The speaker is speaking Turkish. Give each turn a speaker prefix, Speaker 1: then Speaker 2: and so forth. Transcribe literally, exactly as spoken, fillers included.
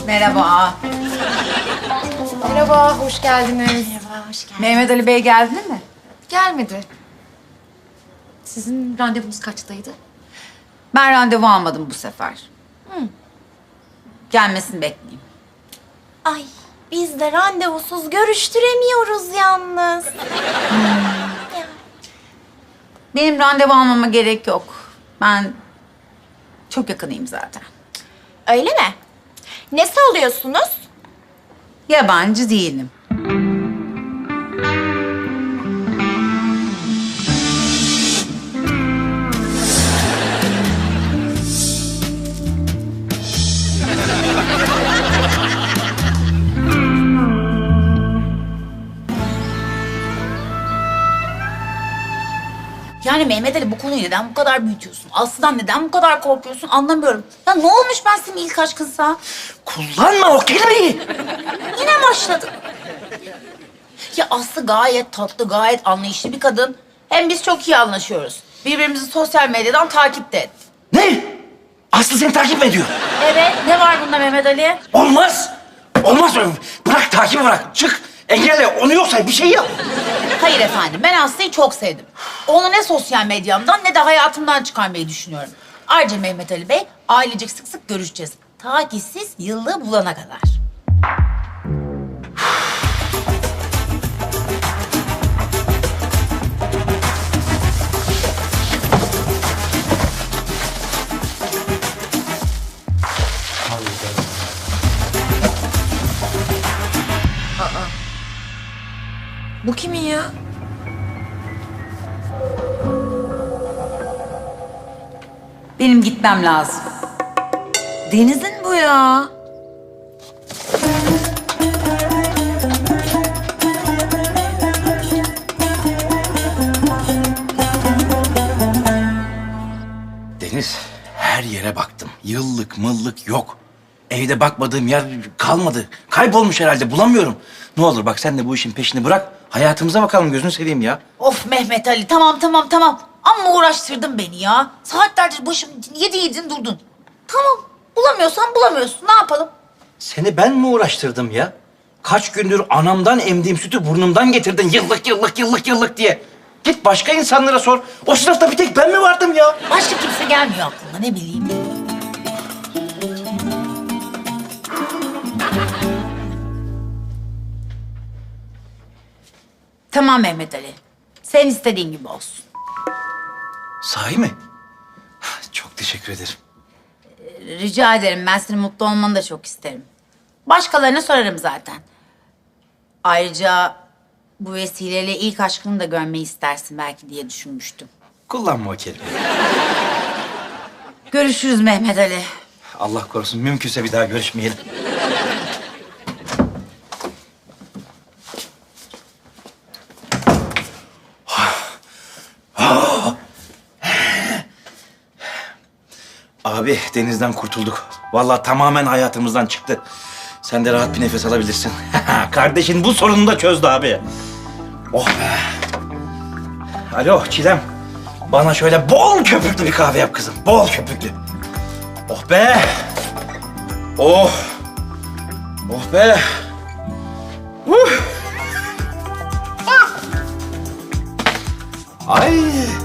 Speaker 1: Merhaba.
Speaker 2: Merhaba, hoş geldiniz.
Speaker 1: Merhaba, hoş geldin. Mehmet Ali Bey geldi mi?
Speaker 2: Gelmedi. Sizin randevunuz kaçtaydı?
Speaker 1: Ben randevu almadım bu sefer. Hı. Gelmesini bekleyeyim.
Speaker 3: Ay biz de randevusuz görüştüremiyoruz yalnız.
Speaker 1: Benim randevu almama gerek yok. Ben çok yakınıyım zaten.
Speaker 3: Öyle mi? Ne sallıyorsunuz?
Speaker 1: Yabancı değilim. Yani Mehmet Ali bu konuyu neden bu kadar büyütüyorsun? Aslı'dan neden bu kadar korkuyorsun anlamıyorum. Ya ne olmuş ben senin ilk aşkınsa?
Speaker 4: Kullanma o kelimeyi.
Speaker 1: Yine başladın. Ya Aslı gayet tatlı, gayet anlayışlı bir kadın. Hem biz çok iyi anlaşıyoruz. Birbirimizi sosyal medyadan takip de et.
Speaker 4: Ne? Aslı seni takip mi ediyor?
Speaker 1: Evet, ne var bunda Mehmet Ali?
Speaker 4: Olmaz. Olmaz öyle. Bırak takibi bırak. Çık. Engelle. Onu yoksa bir şey yap.
Speaker 1: Hayır efendim, ben Aslı'yı çok sevdim. Onu ne sosyal medyamdan ne de hayatımdan çıkarmayı düşünüyorum. Ayrıca Mehmet Ali Bey, ailecek sık sık görüşeceğiz. Ta ki siz yıllığı bulana kadar.
Speaker 2: Bu kimin ya?
Speaker 1: Benim gitmem lazım.
Speaker 2: Deniz'in bu ya.
Speaker 4: Deniz, her yere baktım. Yıllık mıllık yok. Evde bakmadığım yer kalmadı. Kaybolmuş herhalde. Bulamıyorum. Ne olur bak sen de bu işin peşini bırak. Hayatımıza bakalım gözünü seveyim ya.
Speaker 1: Of Mehmet Ali, tamam tamam tamam. Amma uğraştırdın beni ya. Saatlerce başım yedi yedin durdun. Tamam, bulamıyorsan bulamıyorsun. Ne yapalım?
Speaker 4: Seni ben mi uğraştırdım ya? Kaç gündür anamdan emdiğim sütü burnumdan getirdin yıllık yıllık yıllık yıllık diye. Git başka insanlara sor. O sınıfta bir tek ben mi vardım ya?
Speaker 1: Başka kimse gelmiyor aklıma, ne bileyim. Tamam Mehmet Ali. Sen istediğin gibi olsun.
Speaker 4: Sahi mi? Çok teşekkür ederim.
Speaker 1: Rica ederim. Ben senin mutlu olmanı da çok isterim. Başkalarına sorarım zaten. Ayrıca bu vesileyle ilk aşkını da görmeyi istersin belki diye düşünmüştüm.
Speaker 4: Kullanma o kelimeyi.
Speaker 1: Görüşürüz Mehmet Ali.
Speaker 4: Allah korusun mümkünse bir daha görüşmeyelim. Abi denizden kurtulduk. Vallahi tamamen hayatımızdan çıktı. Sen de rahat bir nefes alabilirsin. Kardeşin bu sorununu da çözdü abi. Oh be. Alo Çilem. Bana şöyle bol köpüklü bir kahve yap kızım. Bol köpüklü. Oh be. Oh. Oh be. Uh. Ah. Ay.